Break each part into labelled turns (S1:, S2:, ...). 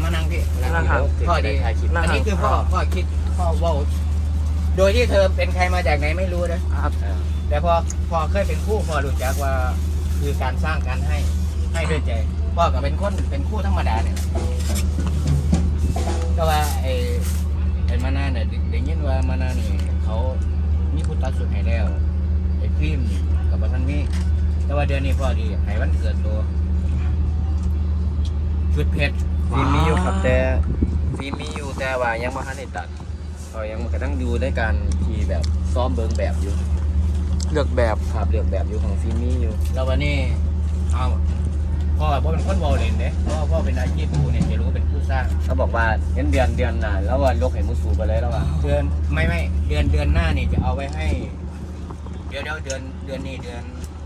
S1: มานั่งพี่
S2: นั่งครับ
S1: พ่อดีอันนี้คือพ่อคิดพ่อว่าโดยที่เธอเป็นใครมาจากไหนไม่รู้นะครับแต่พอเคยเป็นคู่พ่อรู้จักว่าคือการสร้างการให้ด้วยใจพ่อก็เป็นคู่ธรรมดาเนี่ยก็ว่าไอ้มานาเนี่ยได้ยินว่ามานานี่เขามีผู้ตัดสุดให้แล้วไอ้ฟิล์มกับบัทันมีแต่ว่าเดือนนี้พ่อดีให้วันเกิดตัวชุดเพชร
S3: ฟิล์มมีอยู่ครับแต่ฟิล์มมีอยู่แต่ว่ายังไม่ทันได้ตัดเขายังกำลังดูในการที่แบบซ้อมเบิ้งแบบอยู่
S2: เลือกแบบ
S3: ครับเลือกแบบอยู่ของฟิล์มมีอยู่
S1: แล้ววันนี้เอาพ่อเป็นคนวอลเลนเด้พ่อเป็นอาชีพผู้เนี่ยจะรู้เป็นผู้สร้าง
S3: เขาบอกว่าเดือนหน้าแล้วว่ายกให้มุสูไปเลยแล้วว่า
S1: เดือนไม่เดือนหน้านี่จะเอาไว้ให้เดี๋ยวเดือนนี้เดือน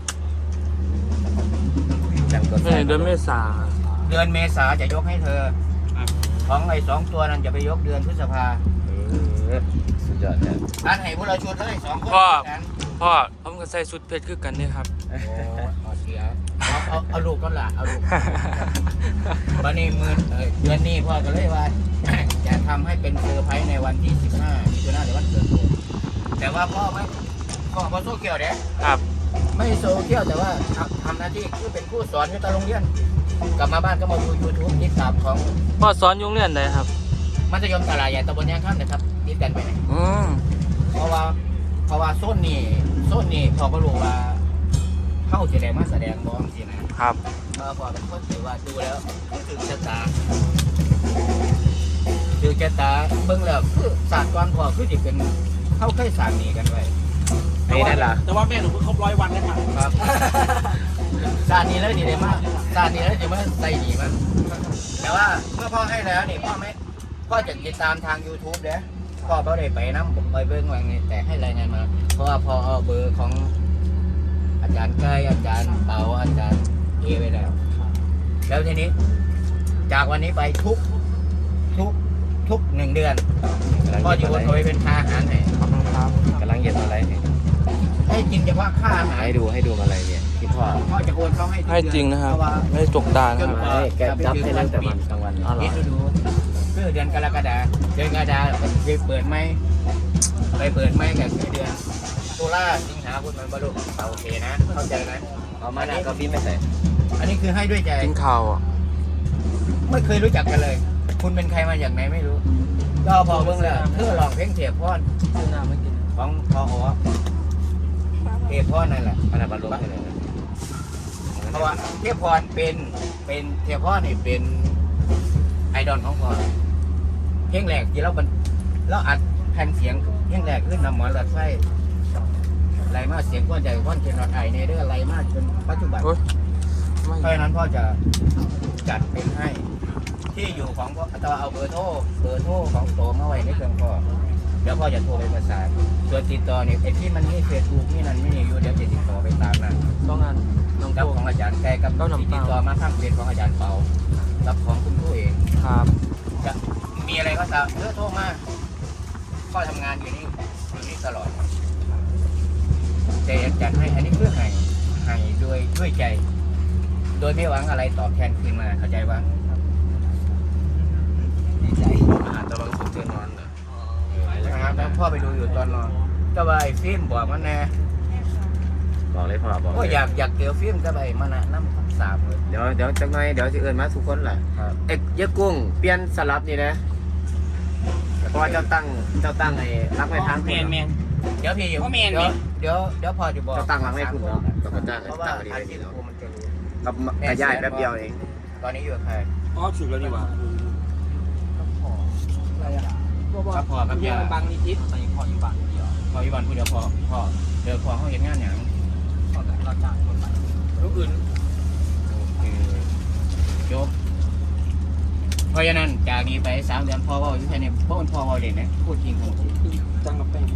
S3: จังตัว
S2: ไม่เดือนเมษา
S1: เดือนเมษาจะยกให้เธอของไอ้2 ตัวนั้นจะไปยกเดือนพฤษภา
S3: สุดยอดเลย
S1: อันให้พวกเราชวนเลย2 คน
S2: พ่อผมก็ใส่ชุดเพชรคือกันนี่ครับ
S1: โอ้เสียเอาลูกก็ละเอาลูกวันนี้เดือนนี้พ่อก็เลยว่า จะทำให้เป็นเซอร์ไพรส์ในวันที่15มิถุนายนหรือวันเกิดผมแต่ว่าพ่อโซเกียวเด้
S2: ครับ
S1: ไม่โซเชียลแต่ว่าทำหน้าที่คือเป็นผู้สอนอยู่ตอนโรงเรียนกลับมาบ้านก็มาดู YouTube ติดตามของ
S2: พ่อสอนยุ่งเรียนไหนครับ
S1: มัธยมตลาดใหญ่ตำบลยางข้ามนะครับติดกันไปไหน เพราะว่าโซนนี่พอก็รู้ว่าเข้าแสดงมาแสดงบ้องสินะครับพอเป็นคนถือว่าดูแล้วถึงชะตาเบิ่งแล้วคือศาสตร์ก่อนพอคือจะเป็นเข้าใกล้สามนีกันไว้
S3: ไอ้นั่นล่ะ
S4: แต่ว่าแม่หนูเพิ่งครบ100 วันแล้วค่ะ
S1: ครับศาสตร์นี้แล้วดีเลยมากศาสตร์นี้แล้วจะมาใส่ดีมั้งแต่ว่าเมื่อพ่อให้แล้วนี่พ่อจะติดตามทาง YouTube เด้อพ่อได้ไปน้ำผมไปเบิ่งว่าไงแต่ให้รายงานมาเพราะว่าพอเอาเบอร์ของอาจารย์ใกล้อาจารย์เปาอาจารย์เอไปแล้วทีนี้จากวันนี้ไปทุก1 เดือนพ่อจะโอนเอาไปเป็นค่าอาหารให้
S3: กำลังเย็นอะไร
S1: ให้กินเฉพาะค่าอาหาร
S3: ให้ดูอะไรเนี่ยที่พ่อ
S1: พ่อจะโอนเขาให้ทุก
S2: ให้
S1: เดือน
S2: จริงนะครับ
S1: เพาว่า
S2: ไม่ได้จกตานะครับ
S3: ให้แกจับให้ตั้งแต่วันกลางวัน
S2: อ๋อเหรอ
S1: คิดดูคือเดือนกรกฎาไปเปิดไหมกับเดือนตุลาสิงหาคมมันบรรลุโอเคนะเข้าใจนะ
S3: เอามาหน้าก็ฟิล์มไม่ใส่
S1: อันนี้คือให้ด้วยใจ
S2: กินข้าวอ่ะ
S1: ไม่เคยรู้จักกันเลย คุณเป็นใครมาจากไหนไม่รู้ก็พอเบิ่งแล้วเพื่อลองเพลงเทียบพร
S2: ซื้อน้ำไม่กิน
S1: ของพอเทียบพรนั่นแหละ
S3: มันบรรลุให้เลย
S1: เพราะว่าเทียบพรเป็นเทียบพรนี่เป็นไอดอลของพรเพลงแรกที่เราอัดแผ่นเสียงเพลงแรกขึ้นนำหมอนหลัดไส้ไรมากเสียงก้อนใหญ่ก้อนเทียนรอดไอในเรื่องไรมากจนปัจจุบัน
S2: โอ๊ยไม่
S1: เพราะฉะนั้นพ่อจะจัดเป็นให้ที่อยู่ของพ่อจะเอาเบอร์โทรของโตมาไว้ในเครื่องพ่อเดี๋ยวพ่อจะโทรไปประสานส่วนติดต่อเนี่ยไอ้ที่มันนี่เฟซบุ๊กนี่นั่นไม่นี่อยู่เดี๋ยวจะติดต่อไปตามนั้น
S2: ต้องงานน้อง
S1: กับ
S2: โต
S1: ของอาจารย์แกกับที่ติดต่อมาข้างเฟซของอาจารย์เปากับของคุณครูเอง
S2: ครับ
S1: จะมีอะไรก็ตามโทรมาพ่อทำงานอยู่นี่ตลอดแต่จัดให้อันนี้เพื่อให้ด้วยใจ โดยไม่หวังอะไรตอบแทนคืนมาเข้าใจว่าดีใจ
S3: อาหารตะวันตกเจอนอนเลย
S1: นะครับแล้วพ่อไปดูอยู่ตอนนอนก็ไปฟิล์มบอกมันแน่
S3: บอกเลยพ่อบอก
S1: ก็อยากเจอฟิล์มก็ไปมานะน้ำสามเลย
S3: เดี๋ยวจังหน่อยเดี๋ยวจะเอิญมาทุกคนแหละ
S1: ครับ
S3: เอ็กยะกุ้งเปลี่ยนสลับนี่นะเพราะว่าเจ้าตั้งไอ้รักไว้ทาง
S4: แมน
S1: เดี๋ยวพี่
S4: พ่อแมน
S1: เดี๋ยวพอจะบอก
S3: เจ้าตั้งรักไว้คุณเนาะเราก็จ้าง
S1: เพราะว่า
S3: ตั้งดี
S1: อา
S3: เลย
S1: ชีพ
S3: เนาะ
S1: ครูมันจะรู้
S3: กับกระย่ายแป๊บเดียวเอง
S1: ตอนนี้อยู่กับใคร
S4: อ๋อฉุกแล้วนี่หว่า
S1: ครับพ่อครับ
S4: เพีย
S1: ย่าง
S4: บางนิดตอนนี้พออยู่บ้านเดียว
S1: พ่ออีวันพูดเดี๋ยวพ่อเดี๋ยวพ่อเขาเห็นงานอย่าง
S4: พอแต่เราจ้างคนไปลูกอื่น
S1: จบเพราะฉะนั้นจากนี้ไป3 เดือนพ่อว่าอยู่แค่นี้พ่อว่าเด่นนะพูดจริงของจริง
S4: จ้างกับแป้ง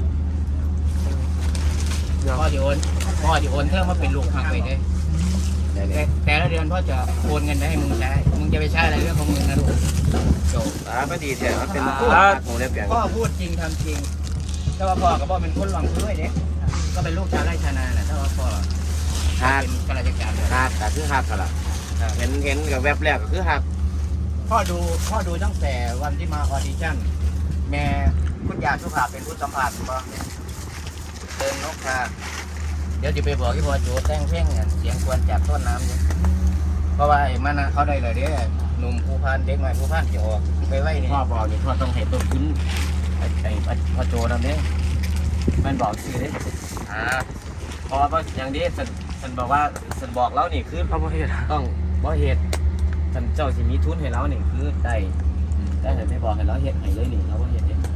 S2: เดี๋ยว
S1: พ่อจะโอนเพิ่มมาเป็นลูกหักไปได้แต่ละเดือนพ่อจะโอนเงินไปให้มึงใช้มึงจะไปใช้อะไรเรื่องของมึงนะลูกจบ
S3: ก็ดีแท้มันเป็นของเรียบเรียง
S1: พ่อพูดจริงทำจริงถ้าว่าพ่อกับพ่อเป็นคนหวังด้วยเนี่ยก็เป็นลูกชาวไร่ชาวนาแหละถ้าว่าพ่อ
S3: หัก
S1: เป็นข้าราชการ
S3: หักแต่คือหักกันละเห็นกับแวบแรกก็คือหัก
S1: พ่อดูตั้งแต่วันที่มาออดิชั่นแม่คุณยาสุภาพเป็นผู้สัมภาษณ์บ่เดินนกค่ะเดี๋ยวจะไปบอกที่พ่อโจแต่งเพลงเสียงควรจากต้นน้ำเนี่ยเพราะว่าไอ้มันเขาได้เลยเด้หนุ่มผู้พันเด็กใหม่ผู้พันจะออกไปไว้นี่พ่อบอกนี่พ่อต้องให้ต้นทุนไอ้พ่อโจนั่นเด้มันบอกสิเด้พอว่าอย่างนี้ฉันบอกว่าฉันบอกแล้วนี่คือ
S2: เอาบ่เฮ็ด
S1: ต้องบ่เหตุฉันเจ้าสิมีทุนให้เรานี่คือได้แต่ฉันไม่บอกให้เราเฮ็ดให้เลยนี่เราบ่เฮ็ดเอง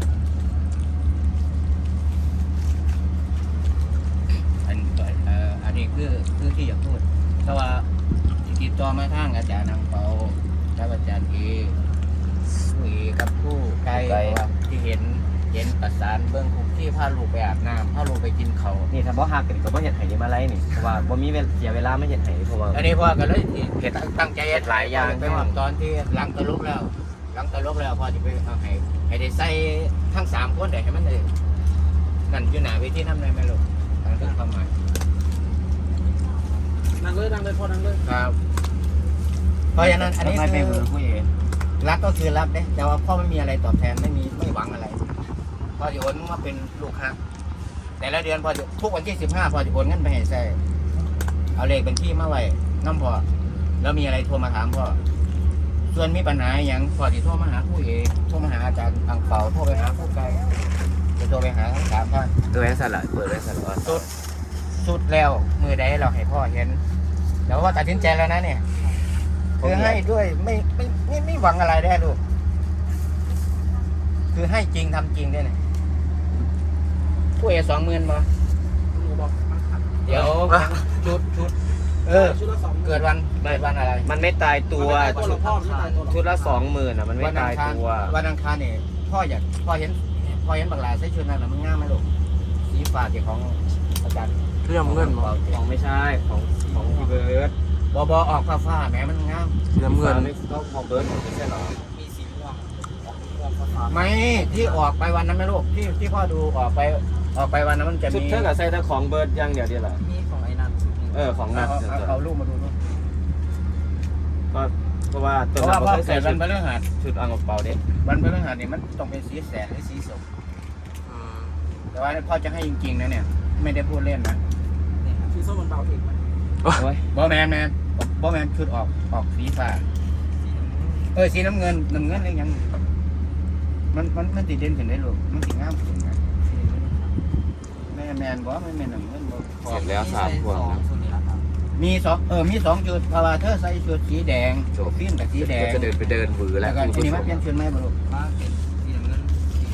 S1: อันนี้คือที่อยากพูดแต่ว่าติดต่อมาทางอาจารย์นางเปาและอาจารย์เอคุยกับผู้ไกลว่าที่เห็นประสานเบื้องคุกที่พาลูกไปอาบน้ำพาลูกไปกินเขานี่ถ้าบ่ฮักกันก็บ่เฮ็ดให้ได้มาไล่นี่เพราะว่าบ่มีเสียเวลาไม่เฮ็ดให้เพราะว่าอันนี้พ่อก็เลยเฮ็ดตั้งใจเฮ็ดหลายอย่างไปว่าตอนที่หลังตะลุกแล้วพ่อจะไปเอาให้ได้ใส่ทั้ง3คนได้ให้มันได้นั่นอยู่หน้าเวทีนำได้มั้ยลูกตั้งแต่ความหมาย
S4: นั่งเลยพอนั่งเลย
S1: ครับเพราะฉะนั้นอันนี้คือรักก็คือรักเด้แต่ว่าพ่อไม่มีอะไรตอบแทนไม่หวังอะไรพ่อจะโอนมาเป็นลูกค้าแต่ละเดือนพ่อจะทุกวันที่15พ่อจะโอนเงินไปให้ใส่เอาเลขเป็นที่มาไว้น้ำพ่อแล้วมีอะไรโทรมาถามพ่อส่วนมีปัญหาอย่างพ่อจะโทรมาหาผู้เอกโทรมาหาอาจารย์อังเปาโทรไปหาผู้ไกลจะโทรไปหาทั้ง3ท่าน
S3: โดยสละเปิดไว้สละ
S1: สุดแล้วมือใดเราให้พ่อเห็นแล้วว่าตัดสินใจแล้วนะเนี่ยคือให้ด้วยไม่หวังอะไรได้ลูกคือให้จริงทำจริงได้เนี่ยผู้เอ20,000บ่
S4: หนูบอกมันขัด
S1: เดี๋ยวชุด
S4: ชุดละ2
S1: เกิดวันอะไร
S3: มันไม่ตายตัว
S4: ตัวละพ่อไม่ตายตัว
S3: ชุดละ20,000อ่ะมันไม่ตายตัว
S1: วันอังคารเนี่ยพ่อเห็นบักหลาใส่ชุดนั้นแล้วมันงามไหมลูกสีฟ้าของอาจารย์
S2: เรื่องเงินบ่
S3: ของไม่ใช่ของพี่เบิร์ด
S1: บออกฟ้าแม้มันงาม
S2: เรื่องเงิน
S3: ไม่ของเบิร์ดไม่ใช่หรอ
S4: มีสีม่วงฟ้า
S1: ไม่ที่ออกไปวันนั้นไหมลูกที่พ่อดูออกไปวันนั้นมันจะ
S3: ชุด
S1: มี
S3: เท่ากับใส่แต่ของเบิร์ดอย่างเดียวเดียวแหละ
S4: มีของไอ้นั่น
S3: ของนัด
S1: เอาลูกมาดูลูก
S3: เพราะว่า
S1: เพ
S3: ตัว
S1: ราะว่า
S3: เรา
S1: พ่อ
S3: เคย
S1: เกิ
S3: ใส่
S1: ดวันพฤหัส
S3: ชุดอังกฤษเปาเด็ก
S1: วันพฤหัสเนี่ยมันต้องเป็นสีแสดหรือสีส้มแต่ว่าพ่อจะให้จริงๆนะเนี่ยไม่ได้พูดเล่นนะ
S4: สีส้มมันเบาเองมัน
S1: บอแมนชุดออกสีฟ้าสีน้ำเงินเลยยังมันติดเด่นขึ้นได้ลูกมันติดงามขึ้นนะแมนบ่ไม่แมนน้ำเงินบ่
S3: เสร็จแล้ว3พวงนะ
S1: มีสองจุดพาราเธอใส่ชุดสีแดงฟิล์มกับสีแดง
S3: จะเดินไปเดินหวือ
S1: แล้
S3: แล้ว ว
S1: ก็ทีนี้มันเปลี่ยนชุดไหมบ่ลูก
S4: มาเป็นสีน้ำเงิน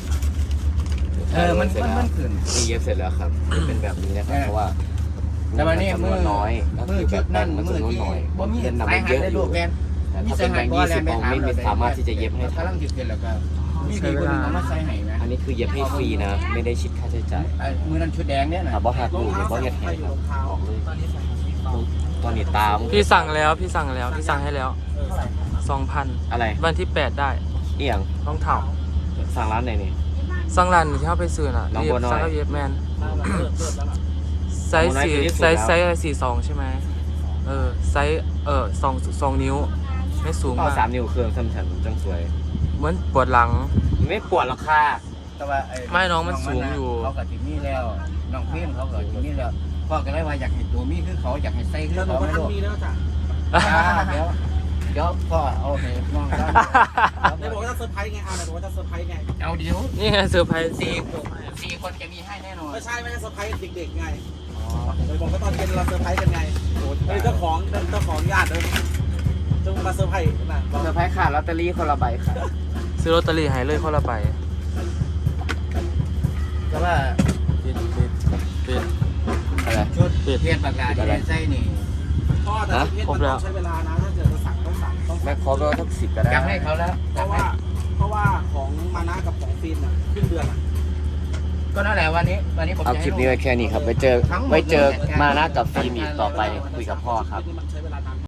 S1: มันขึ้น
S3: ตีเย็บเสร็จแล้วครับเป็นแบบนี้นะครับเพราะว่า
S1: แต่วันนี้มือ
S3: น้อยก็
S1: มื
S3: คือ อแบ
S1: ชุ
S3: บ
S1: ดนั่น
S3: มัน
S1: มือ
S3: จำนวน
S1: ที่
S3: น้อย
S1: บ่มี
S3: เล่น
S1: สาย
S3: นำ
S1: หั
S3: เย
S1: น
S3: อะ
S1: ได้
S3: อ
S1: ลู
S3: ยู่
S1: กแมน
S3: แต่ถ้าเป็นแบงค์20ผมไม่สามารถที่จะเย็บให้
S1: กำลัง
S3: ทำ
S1: หยุดกันแล้วก็มีดีคนนึงเอามาใส่ให้นะ
S3: อันนี้คือเย็บให้ฟรีนะ ไม่ได้คิดค่าใช้จ่าย
S1: มือนั้นชุดแดงเนี่ยนะ
S3: ถามว่าหักลูกหรือว่าเย็บให้
S4: รองเท้าตอนนี้ใส่สีฟ้า
S3: ตอนนี้ตาม
S2: พี่สั่งให้แล้ว
S4: เท่าไหร่
S2: 2,000
S3: อะไร
S2: วันที่8ได้
S3: เอียง
S2: รองเท้า
S3: สั่งร้านไหนนี่
S2: สั่งร้านที่เฮาไปซื้อน่ะ
S3: น้องบัวน้อย
S2: สั่งกับเย็บแมน
S4: เลิศแล้วล่ะ
S2: ไซส์สี่ไซส์42ใช่ไหมไซส์2นิ้วไม่สูง
S3: เอา
S2: มาก
S3: 3 นิ้วเครื่องซ้ำฉันจังสวย
S2: เหมือนปวดหลัง
S3: ไม่ปวดหรอกค่ะ
S1: แต่ว่า
S2: ไม่น้องมันสูงอยู่
S1: เขากับจิมมี่แล้วน้องพิมเขากับจิมมี่แล้วพ่อก็เลยว่าอยากให้ตัวมี่คือเขาอยากให้ใส่คือ
S4: แล้วหนู
S1: เขา
S4: ก็
S1: ไม่รู้
S4: ทำมีแล้วจ้ะ
S1: เดี๋ยวพ่อเอาให้น้องได้
S4: ในบอกว่าจะเซอร์ไพรส์ไงในบอกว่าจะเซอร์ไพรส์ไง
S1: เอาเดี๋ยว
S2: นี่ไงเซอร์ไพรส์
S1: สี่คนจะมีให้แน่นอน
S4: ไม่ใช่ไม่ใช่เซอร์ไพรส์เด็กๆไงเลยบอกว่าตอนเย็นเราเซอร์ไพรส์กันไงเป็นเจ้าของญาติเลยจงมาเซอร์ไพรส์นะ
S3: เซอร์ไพรส์ค่ะลอตเตอรี่คนละใบค่ะ
S2: ซื้อลอตเตอรี่ให้เลยคนละใบ
S1: แต่ว่า
S2: ปิด
S3: อะไร
S1: ชุดเพียนปากกาที่ได้ใส่นี่
S4: พ่อแต่ชุดเพชรมันต้องใช้เวลานะถ้าเกิดจะสั่งต้อง
S3: ไม่ครบแล้วทั้ง10ก็ได้
S1: อยากให้เขาแล้ว
S4: เพราะว่าของมานะกับของฟินอ่ะครึ่งเดือนอ่ะ
S1: ก็นั่นแหละวันนี้ผม
S3: เอา
S1: จะ
S3: ค
S1: ให้
S3: ลิปนี้ไว้แค่นี้ครับไว้เจอมานะกับฟิล์มอีกต่อไปคุยกับพ่อครับ
S4: มันใช้เว